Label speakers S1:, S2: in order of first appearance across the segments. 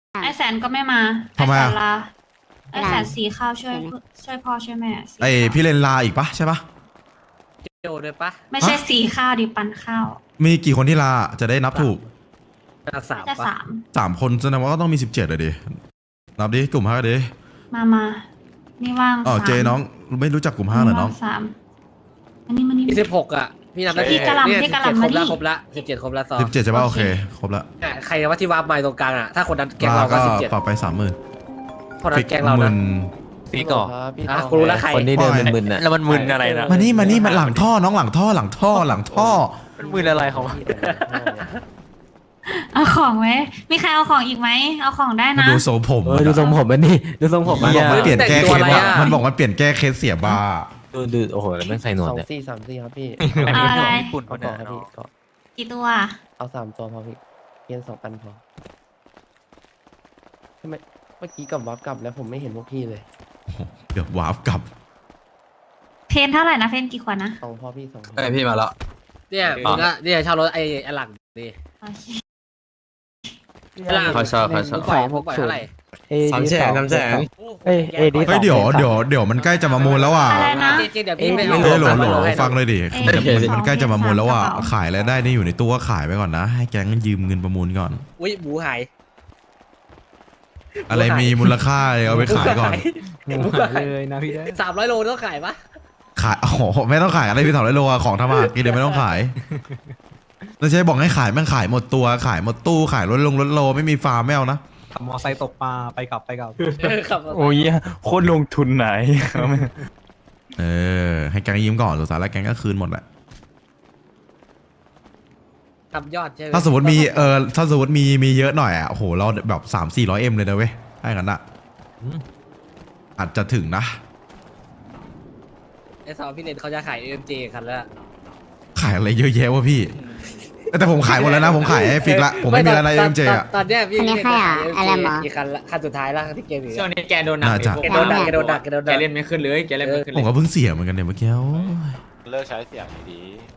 S1: ไอแสนก็ไม่มาไอ
S2: ทำไม
S1: แส
S2: อะ
S1: นลาไอแสนสีข้าวช่วยพ่อช่วยแม่สี
S2: ไอ
S1: ข้าว
S2: พี่เลนลาอีกปะใช่ปะ
S3: โจด้วยปะ
S1: ไม่ใช่สีข้าวดิปันข้าว
S2: มีกี่คนที่ลาจะได้นับถูก
S3: สาม
S1: จะ
S3: ปะ
S1: 3
S2: 3 คนแสดงว่าก็ต้องมี17เลยดินับดิกลุ่ม5ดิ
S1: มานี่ว่าง
S2: อ๋อ
S1: 3
S2: เจน้องไม่รู้จักกลุ่ม5เหรอน้อง
S1: ว่าง3อันนี้มันนี่
S3: 26อ่ะพี่นับได้
S1: พี่กะหล่ำ
S3: เนี่ย
S1: พี่กะหล่ำ
S3: 17ครบ
S1: มาดิ
S3: ละครบละ17ครบละซอ
S2: 17ใช่ปะโอเคครบละ
S3: ใครว่าที่วาร์ปมาตรงกลางอ่ะถ้าคนนั้นแกง
S2: ลา
S3: เรา
S2: ก็
S3: ก็17
S2: ปรับไป30,000
S3: คนนั้นแกงเรานะ
S4: พี่ก่อ
S3: อ่ะกูรู้แล้วใคร
S4: คนที่เดินมึนๆน่ะแล้วมันมึนอะไรนะ
S2: มานี่มันหลังท่อน้องหลังท่อ
S4: มันมึนอะไรของมัน
S1: เอาของไหมมีใครเอาของอีกไหมเอาของได้
S2: มา
S1: นะ
S2: ดูโซผม
S4: ดูทรงผมมันนี่ดูทรงผม
S2: มันบอกมันเปลี่ยนแก้เคส
S3: แต่งตัวอะไร
S2: ว่ะ
S3: อะ
S2: มันบอกมันเปลี่ยนแก้เคสเสียบ้า
S4: ดูโอ้โหแล้วแม่งใส่หนวด
S5: สอง
S4: เนี่ย
S5: สี่สามสี่ครับพี่
S1: เอาอะไร
S4: ญี่ปุ่น
S5: เอา
S4: เขา
S5: ต่
S4: เนี่
S5: อย ครับพี่ก็
S1: กี่ตัว
S5: เอา3 ตัวพอพี่เพียน2 อันพอทำไมเมื่อกี้กลับวับกลับแล้วผมไม่เห็นพวกพี่เลย
S2: เกือบวาร์ปกลับ
S1: เพนเท่าไหร่นะเพนกี่ขวดนะ
S5: 2 พอพี่2 พอ
S6: ไอพี่มาแล้ว
S3: เนี่ยมึงก็เนี่ยเช่ารถไอ้หลังดิ
S1: โอเค
S3: ไอ้หลัง
S6: เขาชอบเขาชอบ
S3: มึงปล่อยมึงปล่อยเท่าไหร่
S6: 300,000
S5: เอ้ยเอดี
S2: เฮ้ยเดี๋ยวมันใกล้จะมามูลแล้วอ่ะ
S1: อะไรนะ
S3: จริงๆเดี๋ยวพี่ไม่
S2: เฮ้ยโหล
S3: ให้
S2: ฟังเลยดิ
S1: เอ้ย
S2: มันใกล้จะมามูลแล้วอ่ะ
S1: สอง
S2: ขายแล้วได้นี่อยู่ในตู้ก็ขายไปก่อนนะ ให้แก๊งยืมเงินประมูลก่อน
S3: อุ้ยหมูหาย
S2: อะไรมีมูลค่าเอาไปขายก่อน
S3: หมูหาย
S4: เลยนะพี่ได้
S3: 300 โลต้องขายปะ
S2: ขายโอ้โหไม่ต้องขายอะไรพี่ถอดได้โลอะของธรรมะกินเดี๋ยวไม่ต้องขายแล้วใช่บอกให้ขายแม่งขายหมดตัวขายหมดตู้ขายรถโลไม่มีฟาร์มไม่เอานะ
S7: ขับมอไซค์ตกปลาไปกลับ
S3: ครับ
S4: โอ้ยโคตรลงทุนไหน
S2: ให้แก๊งยืมก่อนสุดท้ายแล้วแก๊งก็คืนหมดแหละ
S3: ทำยอดใช่ไหม
S2: ถ้าสมมติมีถ้าสมมติมีเยอะหน่อยอ่ะโอ้โหเราแบบ300-400Mเลยนะเว้ยให้กันอะอาจจะถึงนะ
S3: ไอ้สาวพี่เลนเขาจะขาย AMG คันแล้ว
S2: ขายอะไรเยอะแยะวะพี่ แต่ผมขายหมดแล้วนะผมขายให้ฟิกละผมไม่มีอะไรใน MJ อ่ะ
S3: ตอนเนี้ยพี่
S8: อันนี้ใครอ่ะอะไรหมอ
S3: อีกคันละคันสุดท้ายแล้วที่เกมอยู่
S6: ช่วงนี้แกโดนหนัก
S2: น่าจะ
S3: แกโดนดักแกโดนดักแกโดน
S6: แก
S3: ดัก
S6: เล่นไม่ขึ้นเลยแกเล่นไม่ขึ้น
S2: ผ
S6: เล
S2: ม
S6: ย
S2: ก็เพิ่งเสียเหมือนกันเนี่ยเมื่อกี้โอ้ย
S9: เลิกใช้เสียงดี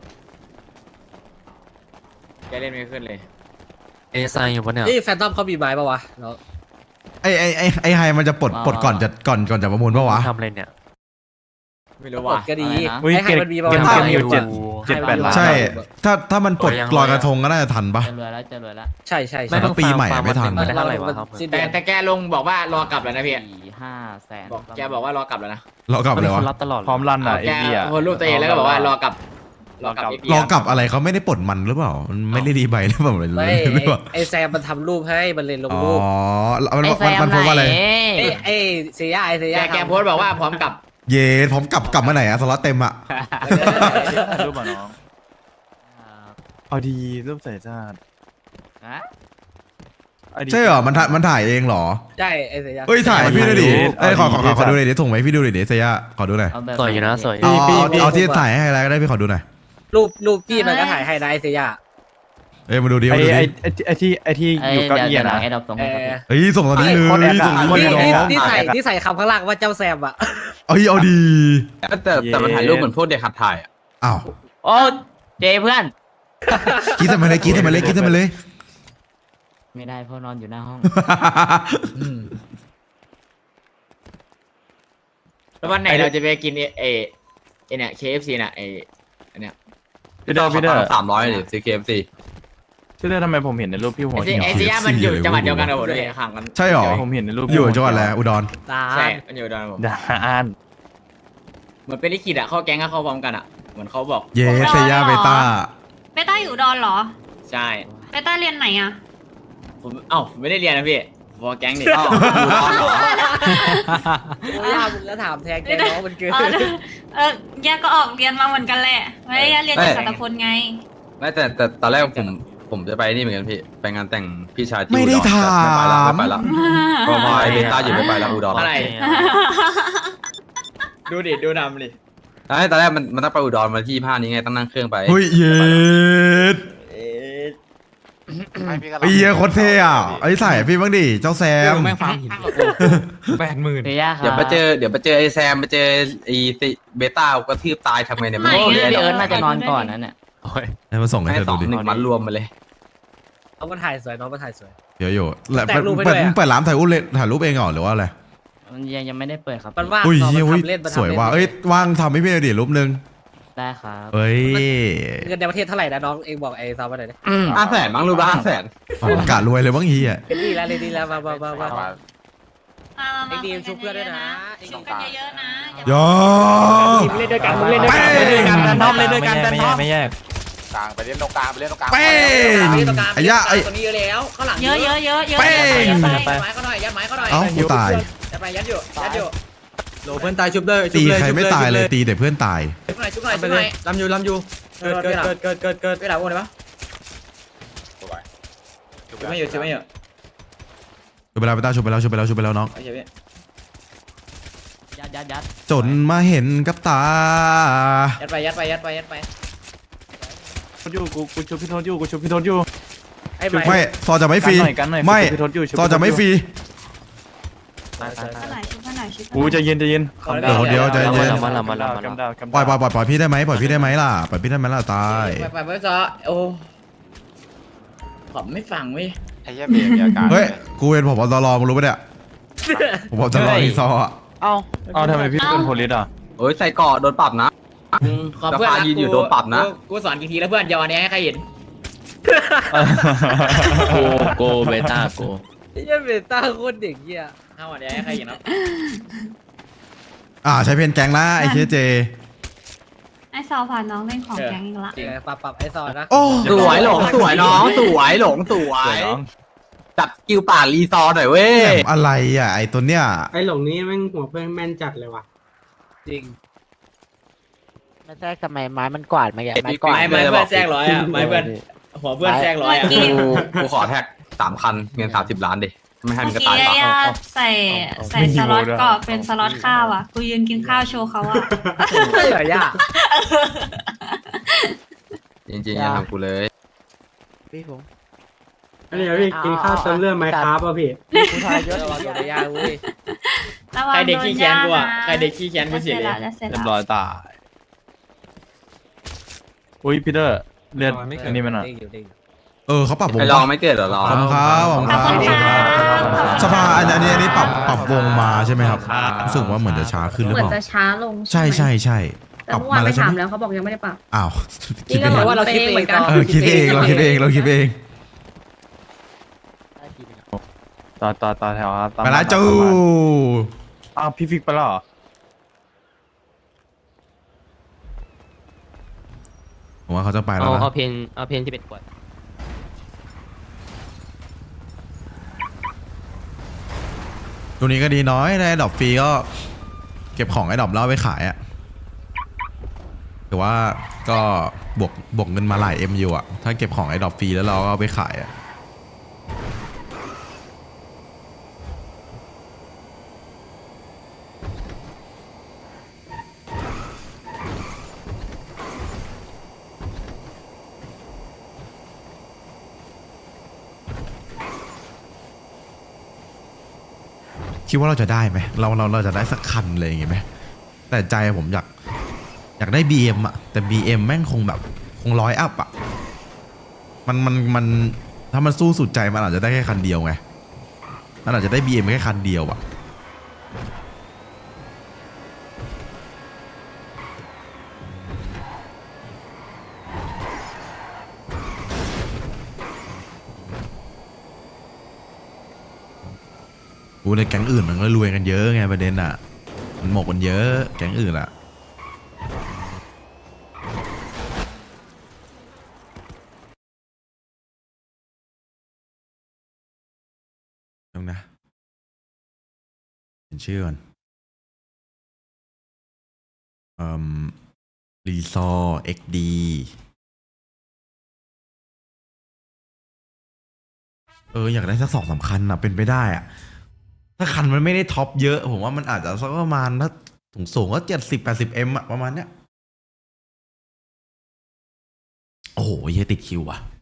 S6: แกเล่นไม่ขึ้นเลย
S4: เอไซอยู่ปะเนี่ย
S3: นี่แฟนตอมเขามีไม้ปะวะแล้ว
S2: ไอ้ไฮมันจะปลดก่อนจะประมูลปะวะ
S4: ทำอะไรเนี่ย
S6: ไม่รู้
S3: ก
S6: ว่า
S3: ดก็ดี
S4: อุ้ย
S3: ให้มันมีปะ
S4: เกม
S3: วะ
S4: อยู่7-8 ล้าน
S2: ใช่ ถ้ามันปลดลอยกระทงก็น่าจะทันปะ
S8: จะรวยแล้วจะรวยแล้ว
S3: ใช่ใช่
S2: ไม่
S3: ใช่
S2: ต้องปีใหม่ไม่ทัน
S4: ได้เท่าไหร่วะครับ
S3: สิ้น
S6: แต่
S3: เดือน
S6: แต่แกลงบอกว่ารอกลับแล้วนะพี่
S8: 4-5 แสน
S6: บอกแกบอกว่ารอกลับแล้วนะ
S2: เรากลับเลยวะ
S4: คนรับตลอด
S7: พร้อมรันอ่ะ
S6: แกโพสต์รูปตัวเองแล้วก็บอกว่ารอกลับรอกลับ
S2: รอกลับอะไรเขาไม่ได้ปลดมันหรือเปล่ามันไม่ได้ดีใบหรือเปล่า
S3: ไม่
S2: หรือเปล่า
S3: ไอแซมมันทำรูปให้มันเลยลง
S2: อ๋อ
S3: รูป
S2: มันโพสต์ว่าอะไร
S3: ไอเซียไอเซีย
S6: แกโพสต์บอกว่าพร้อมกลับ
S2: เย่ผมกลับมาไหนอะสล็อตเต็มอะ
S7: รูปอ่ะน้อง เอาดีรูปใส่ชาติ
S8: ฮะ
S2: ใช่เหรอมันถ่ายเองเหรอ
S3: ใช่ไอเซีย
S2: เฮ้ยถ่ายให้พี่ดูดิ
S7: เอา
S2: ขอ
S7: ดี
S2: ดูหน่อยดิส่งไหมาให้พี่ดูหน่อยดิเซียขอดูหน่อย
S8: เอาแบบ
S4: สวยอยู่นะสวย
S2: เอาที่ถ่ายให้อะไรก็ได้พี่ขอดูหน่อย
S3: รูปพี่มันก็ถ่ายให้นะไอเซีย
S2: เอ้ยมาดูดิ
S7: ไอ้
S2: มาดูดิ
S7: ไอ้ที่อยู่เก้าอี้
S8: เดี๋ยวหลั
S7: นะ
S8: งไอ้ดอกส่ง
S3: เอ
S8: ให้ครับ
S3: อ
S8: พี่
S2: เฮ้ยส่งตอนนี้เลย
S7: โคตรแอดอะ
S2: ส่งตอน
S7: โคตร
S2: นี้
S7: แอด
S2: เลยน้อง
S3: ที่ใส่คำข้างล่างว่าเจ้าแซมอะ
S2: เอาดี
S6: แต่มันถ่ายรูปเหมือนพวกเด็กขัดถ่ายอ่ะ
S2: อ้าว
S8: โอ้เจเพื่อน
S2: คิดทำไมเลย
S8: ไม่ได้เพราะนอนอยู่หน้าห้อง
S6: แล้ววันไหนเราจะไปกินเนี่ย KFC น่ะ
S7: พี่เดอร์
S6: 300หรือซื้อ KFC
S7: พี่เดอร์ทำไมผมเห็นในรูปพี่หัว
S6: ไอซีย่ามันอยู่จังหวัดเดียวกันกับผมด้วยห่างกัน
S2: ใช่หรอ
S7: ผมเห็นในรูป
S2: อยู่จังหวัดอะไรอุดร
S3: ตา
S6: ใช่มันอยู่ดอนผม
S7: ด่าอ่าน
S6: เหมือนเป็นลิขิตอ่ะเข้าแก๊งก็เข้าพร้อมกันอ่ะเหมือนเขาบอก
S2: เย่เซียเบต้า
S1: เบต้าอยู่อุดอนเหรอ
S6: ใช่
S1: เบต้าเรียนไหนอะ
S6: ผมไม่ได้เรียนนะพี่พอแก๊งนี่
S3: โอ้ยามึงแล้วถามแทนแกน้องมันเกิน
S1: แยกก็ออกเรียนมาเหมือนกันแหละไม่ได้เรียนจากสัตพลไง
S6: ไม่แต่ตอนแรกผมจะไปนี่เหมือนกันพี่ไปงานแต่งพี่ชายที่
S2: ไม่ได้
S6: อุร
S2: ถาม
S6: ไม่ไปละพอไอเบต้าอยู่ไม่ไปละอุดรอะไรดูนำดิตอนแรกมันต้องไปอุดรมาที่ผ้านี้ไงต้องนั่งเครื่องไป
S2: เฮ้ยเย็ดไอ้เหี้ยโคตรเท่อะไอ้ใส่พี่บ้างดิเจ้าแซม
S6: แม่งฟาร์มหิน
S7: 80,000
S8: เซียครั
S6: เดี๋ยวไปเจอไอแซมไปเจอไอเบต้ากระทืบตายทำไงเนี่ย
S8: โอ้พี่เอิร์ธน่าจะนอนก่อนนั่นเนี่ย
S2: ให้มาส่งให้
S6: ให้
S2: เธอ
S6: สอ
S2: ดู
S6: ง
S2: ดิ
S6: หนึ่งมันรวมมาเลย
S3: น้องมันถ่ายสวยน้องมันถ่ายสวย
S2: เดี๋ยวอยู่แล้ว
S3: แต่งรูปให้ด้วยอะ
S2: เปิดร้านถ่ายรูปเลยถ่ายรูปเองเหรอหรือว่าอะไร
S8: มันยังไม่ได้เปิดครับ
S3: มันว่าง
S2: อุ้ย
S3: ต่อ
S2: เฮ้ย
S3: มัน
S2: อุ้ย
S3: ทำเล่นมัน
S2: สวย
S3: ทำเล่น
S2: ว่ะเอ้ยว่างทำให้พี่หน่อยดิรูปนึง
S8: ได้ครับ
S2: เอ้ย
S3: เงินในประเทศเท่าไหร่นะน้องเองบอกไอ้ซอมมาหน่อยดิ
S6: 500,000มั้งรูปละ500,000
S2: กะรวยเลยบ้างเฮีย
S3: เล่นดีแล้วเล่นดีแล้วมา
S1: มา
S3: เอ็กดีมชุบเพื่อนด้วยนะ
S1: ชุบกันเยอะๆนะอย่า
S2: ยอ
S3: เล่นด้วยกันมึงเล่นด้วยกัน
S2: เป้ง
S3: เล่นด้วยกัน
S7: แฟนทอมเล่นด้วยกันแฟนทอม
S4: ไม่แยก
S6: กลางไปเล่นตรงกลางไปเล่นตรงกลาง
S2: เป้งไอ้ย่าไอ้
S3: ตัวนี้เยอะแล้วข้างหลัง
S1: เยอะเยอะเยอะเยอะ
S2: เป้ง
S3: ยัดไม้เขาหน่อยยัดไม้เขาหน่อย
S2: เอ้ากูตาย
S3: ยัดไปยัดอยู่ยัดอยู่
S6: โหลเพื่อนตายชุบเลย
S2: ตีใครไม่ตายเลยตีแต่เพื่อนตาย
S3: ชุบหน่อยชุบหน่อยชุบหน่อย
S6: ลำอยู่เกิด
S3: ไปหลังโอ้ได้ปะ
S6: ชุบไม่อยู่
S2: ชุบไปแล้วไปตาชุบไปแล้วน้อง
S8: ยัด
S2: จนมาเห็นกับตา
S3: ยัดไป
S7: อยู่กูชุบพี่โทษอยู่กูชุบพี่โทษอยู่
S3: ไอ้ไม้
S2: ไม่ซอจะไม่ฟรี
S7: กันหน่อย
S2: ไม่
S7: พี่โทษอยู่
S2: ซอจะไม่ฟรี
S1: ชุบกันหน่อยชุบกันหน่อยชุบกันห
S7: กู
S1: น่อย
S7: ใจเย็น
S2: เดี๋ยวใจเย็น
S4: มาละ
S7: กำดาว
S2: ปล่อยพี่ได้ไหมปล่อยพี่ได้ไหมล่ะปล่อยพี่ได้ไหมล่ะตาย
S3: ไปไม่ซอโอ้ผมไม่ฟังเว้ย
S6: ไอ้เหี้ยเบรมีอาการ
S2: เฮ้ยกูเป็นผบตรมึงรู้ปะเนี่ยผบตรรีซออ่ะ
S7: เอ้าทำไมพี่เป็นโพลิสอ่ะ
S6: โอ้ยใส่เกาะโดนปรับนะ
S3: ขอเพื่อน
S6: สภายืนอยู่โดนปรับนะ
S3: กูสอนกี่ทีแล้วเพื่อนอย่าวันนี้ให้ใครเห็น
S8: โกเบต้าโก
S3: ไอ้เหี้ยเบต้าโคตรเด็กเหี้ยห้าวันนี้ให้ใครเห็นครับ
S2: ใช้เพนแกงละไอ้เคเจ
S1: ไอ้ซอผ่านน้องเล่นของแก๊งอีกละ
S3: จริงปรับไอ้ซอนนะ
S2: โอ้
S6: สวยหลงสวยน้องสวยหลงสวย
S7: น้อง
S6: จับกิวป่ารีซอร์หน่อยเว้ย
S2: แหลมอะไรอ่ะไอ้ตัวเนี้ย
S9: ไอ้หลงนี้แม่งหัวเพื่อนแม่นจัดเลยว่ะ
S3: จริง
S8: ไม่ใช่ทำไมไม้มันกวาดมาอย่างไม้กวาด
S3: ไม้เพื่อนแทรกร้อยอ่ะไม้เพื่อนหัวเพื่อนแทรกร้อยอ่ะ
S6: กูขอแท็ก3 คันเงิน30 ล้านดิไม่ให้มันก็
S1: เมื่อ
S6: ตาย
S1: กี้
S6: ปะ
S1: ย่าใส่สล็อตกรอบเป็นสล็อตข้าวอ่ะกูยืนกินข้าวโชว์เขาอ่ะ
S3: เหรอย่า
S6: จริงๆอย่าทำกูเลย
S8: พี่ผม
S9: อันนี้พี่กินข้าวเติมเลือดไหมครับป่ะพี่
S8: ผู้ชายเยอะ
S3: ระวังตัวย่าเว้ย
S1: ระวัง
S3: ใครเด็กขี้แค้นกูอ่ะ
S1: โดนย่านะ
S3: ใครเด็กขี้แค้นกูเสียเลย
S1: จะเสร็จ
S7: เรียบ
S1: แล้ว
S7: ร้อยตายอุ้ยพีเตอร์เลือดอันนี้มันอ่ะ
S2: เขาปรับวง
S6: ไอ้ลองไม่เกิดเหรอลอง
S2: ขอบคุณครับขอบคุณ
S1: ขอบ
S2: ค
S1: คุณ
S2: รับ
S1: ค่ะ
S2: สภาอันนี้ปรับวงมาใช่ไหมครับรู้สึกว่าเหมือนจะช้าขึ้นหรือ
S10: เหมื
S2: เป
S10: อน
S2: ล่า
S10: จะช้าลง
S2: ใช่
S10: ไหม
S2: ใช่ใช่
S10: แต่
S2: ปรับ
S10: เมื่อวาน
S2: มา
S10: ไป
S2: แล้วใช่
S10: ถา
S2: ไห
S10: ม
S2: ม
S10: แล้วเขาบอกยังไม่ได้ปรับ
S2: อ้าว
S10: พี่
S2: คิด
S10: ก็
S2: เอง
S10: บอกว่าเราคิดเองเหมือนกัน
S2: คิดเองเราคิดเอง
S7: ต่อแถวครับ
S2: ไปละจู
S7: อ้าวพี่ฟิกไปแล้วเหรอ
S2: ผมว่าเขาจะไปแล้วนะ
S8: เอาเพนที่เป็นขวด
S2: ตัวนี้ก็ดีน้อยได้ดอกฟรีก็เก็บของไอ้ดอกแล้วเอาไปขายอะแต่ว่าก็บวกเงินมาหลายMอยู่อะถ้าเก็บของไอ้ดอกฟรีแล้วเราก็เอาไปขายอะคิดว่าเราจะได้ไหมเราจะได้สักคันเลยอย่างงี้ไหมแต่ใจผมอยากได้ BM อะแต่ BM แม่งคงแบบคง100 อัพอะมันถ้ามันสู้สุดใจมันอาจจะได้แค่คันเดียวไงมันอาจจะได้ BM แค่คันเดียวอะในแก๊งอื่นมันก็รวยกันเยอะไงประเด็นอ่ะมันหมกกันเยอะแก๊งอื่นอ่ะตรงนะเป็นชื่อก่อนรีซอร์เอ็กดีอยากได้สัก2-3 คันอ่ะเป็นไปได้อ่ะถ้าคันมันไม่ได้ท็อปเยอะผมว่ามันอาจจะสักประมาณถ้าสูงก็70-80M อะประมาณเนี้ยโอ้โหเฮียติดคิวว่ะ